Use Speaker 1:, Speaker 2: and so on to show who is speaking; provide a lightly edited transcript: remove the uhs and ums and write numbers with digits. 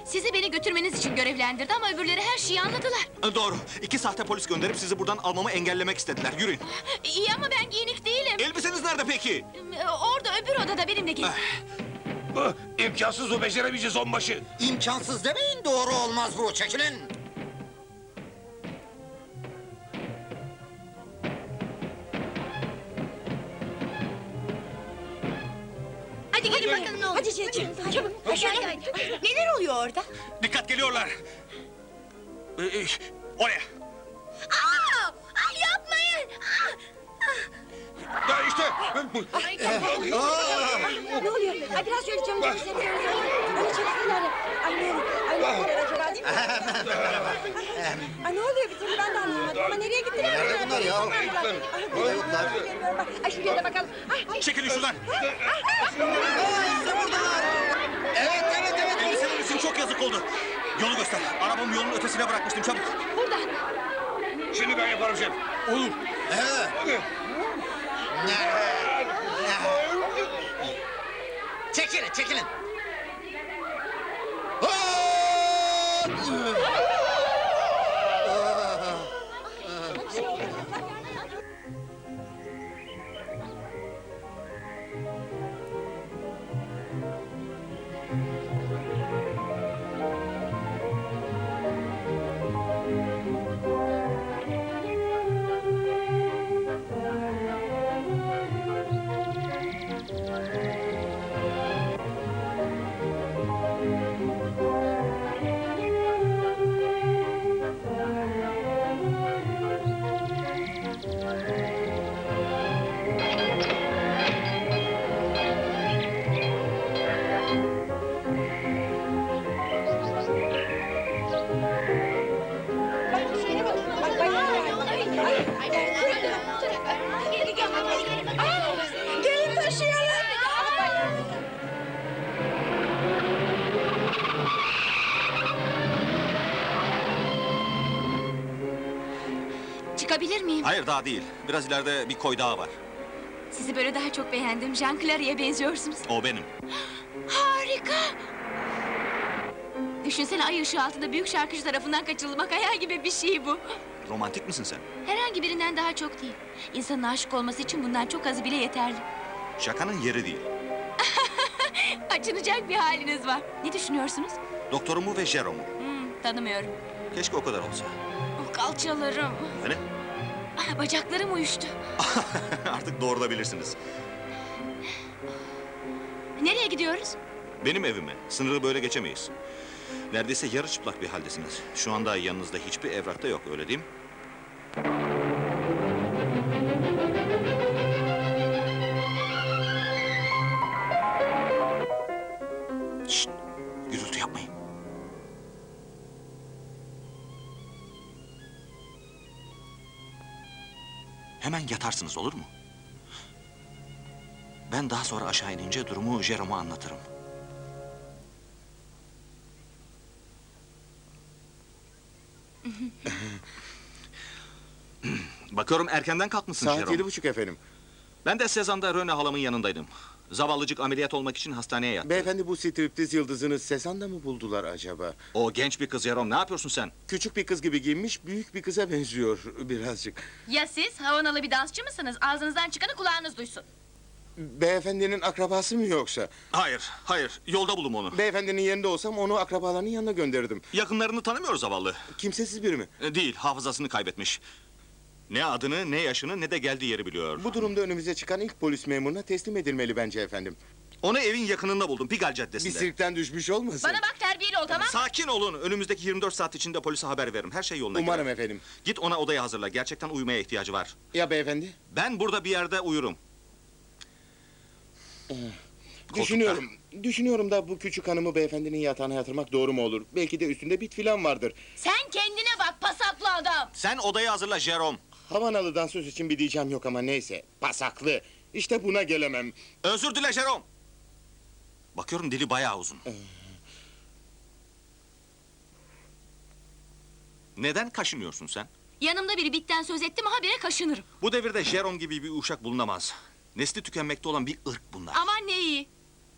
Speaker 1: Sizi beni götürmeniz için görevlendirdi ama öbürleri her şeyi anladılar.
Speaker 2: Doğru. 2 sahte polis gönderip sizi buradan almamı engellemek istediler. Yürüyün.
Speaker 1: İyi ama ben giyinik değilim.
Speaker 2: Elbiseniz nerede peki?
Speaker 1: Orada öbür odada benimle gelin.
Speaker 3: İmkansız, o beceremeyeceğiz onbaşı.
Speaker 4: İmkansız demeyin, doğru olmaz bu. Çekilin.
Speaker 1: Hadi gelin bakalım ne olur. Hadi çabuk. Hadi. Neler oluyor orada?
Speaker 2: Dikkat, geliyorlar. Oraya.
Speaker 1: Yapmayın.
Speaker 3: Ya işte.
Speaker 5: Ne oluyor? Ay biraz şöyle camı çekseniz. Öyle çeksinler. Ay ne oluyor? Ay ne oluyor acaba değil mi? Ay ne oluyor bir türlü ben de anlamadım ama nereye gittiler?
Speaker 4: Nerede bunlar ya?
Speaker 5: Burada yoklar. Ay şuraya da bakalım. Ay.
Speaker 2: Çekilin şuradan.
Speaker 4: İşte buradalar. Evet, evet, evet.
Speaker 2: Elbiseler için çok yazık oldu. Yolu göster. Arabamı yolun ötesine bırakmıştım, çabuk.
Speaker 1: Burada.
Speaker 3: Şimdi ben yaparım şef. Olur.
Speaker 4: Çekilin, çekilin.
Speaker 5: Gelin taşıyalım.
Speaker 1: Çıkabilir miyim?
Speaker 2: Hayır, daha değil. Biraz ileride bir koy daha var.
Speaker 1: Sizi böyle daha çok beğendim. Jean Clary'e benziyorsunuz.
Speaker 2: O benim.
Speaker 1: Harika! Düşünsene ay ışığı altında büyük şarkıcı tarafından kaçırılmak hayal gibi bir şey bu.
Speaker 2: Romantik misin sen?
Speaker 1: Herhangi birinden daha çok değil. İnsanın aşık olması için bundan çok azı bile yeterli.
Speaker 2: Şakanın yeri değil.
Speaker 1: Açınacak bir haliniz var. Ne düşünüyorsunuz?
Speaker 2: Doktorumu ve Jerome'u.
Speaker 1: Tanımıyorum.
Speaker 2: Keşke o kadar olsa.
Speaker 1: Oh, kalçalarım.
Speaker 2: Hani?
Speaker 1: Bacaklarım uyuştu.
Speaker 2: Artık doğrulabilirsiniz.
Speaker 1: Nereye gidiyoruz?
Speaker 2: Benim evime. Sınırı böyle geçemeyiz. Neredeyse yarı çıplak bir haldesiniz. Şu anda yanınızda hiçbir evrak da yok, öyle değil mi? Şşt! Gürültü yapmayın. Hemen yatarsınız, olur mu? Ben daha sonra aşağı inince durumu Jerome'a anlatırım. Bakıyorum erkenden kalkmışsın
Speaker 6: Saat
Speaker 2: Jerome.
Speaker 6: 7:30 efendim.
Speaker 2: Ben de Sezan'da Röne halamın yanındaydım. Zavallıcık ameliyat olmak için hastaneye yattı.
Speaker 6: Beyefendi, bu striptiz yıldızını Sezan'da mı buldular acaba?
Speaker 2: O genç bir kız Jerome, ne yapıyorsun sen?
Speaker 6: Küçük bir kız gibi giyinmiş, büyük bir kıza benziyor birazcık.
Speaker 1: Ya siz havanalı bir dansçı mısınız? Ağzınızdan çıkanı kulağınız duysun.
Speaker 6: Beyefendinin akrabası mı yoksa?
Speaker 2: Hayır, hayır. Yolda buldum onu.
Speaker 6: Beyefendinin yerinde olsam onu akrabalarının yanına gönderirdim.
Speaker 2: Yakınlarını tanımıyoruz zavallı.
Speaker 6: Kimsesiz biri mi?
Speaker 2: Değil, hafızasını kaybetmiş. Ne adını, ne yaşını, ne de geldiği yeri biliyor.
Speaker 6: Bu durumda önümüze çıkan ilk polis memuruna teslim edilmeli bence efendim.
Speaker 2: Onu evin yakınında buldum, Pigalle
Speaker 6: Bir
Speaker 2: Caddesi'nde.
Speaker 6: sirkten düşmüş olmasın?
Speaker 1: Bana bak terbiyeli ol tamam mı?
Speaker 2: Sakin olun, önümüzdeki 24 saat içinde polise haber veririm. Her şey yoluna
Speaker 6: Umarım
Speaker 2: girer.
Speaker 6: efendim.
Speaker 2: Git ona odayı hazırla, gerçekten uyumaya ihtiyacı var.
Speaker 6: Ya beyefendi?
Speaker 2: Ben burada bir yerde uyurum.
Speaker 6: Düşünüyorum da bu küçük hanımı beyefendinin yatağına yatırmak doğru mu olur? Belki de üstünde bit filan vardır.
Speaker 1: Sen kendine bak pasaklı adam.
Speaker 2: Sen odayı hazırla Jerome.
Speaker 6: Havanalı dansöz için bir diyeceğim yok ama neyse. Pasaklı. İşte buna gelemem.
Speaker 2: Özür dile Jerome. Bakıyorum dili bayağı uzun. Neden kaşınıyorsun sen?
Speaker 1: Yanımda biri bitten söz etti mi habire kaşınırım.
Speaker 2: Bu devirde Jerome gibi bir uşak bulunamaz. Nesli tükenmekte olan bir ırk bunlar.
Speaker 1: Aman ne iyi.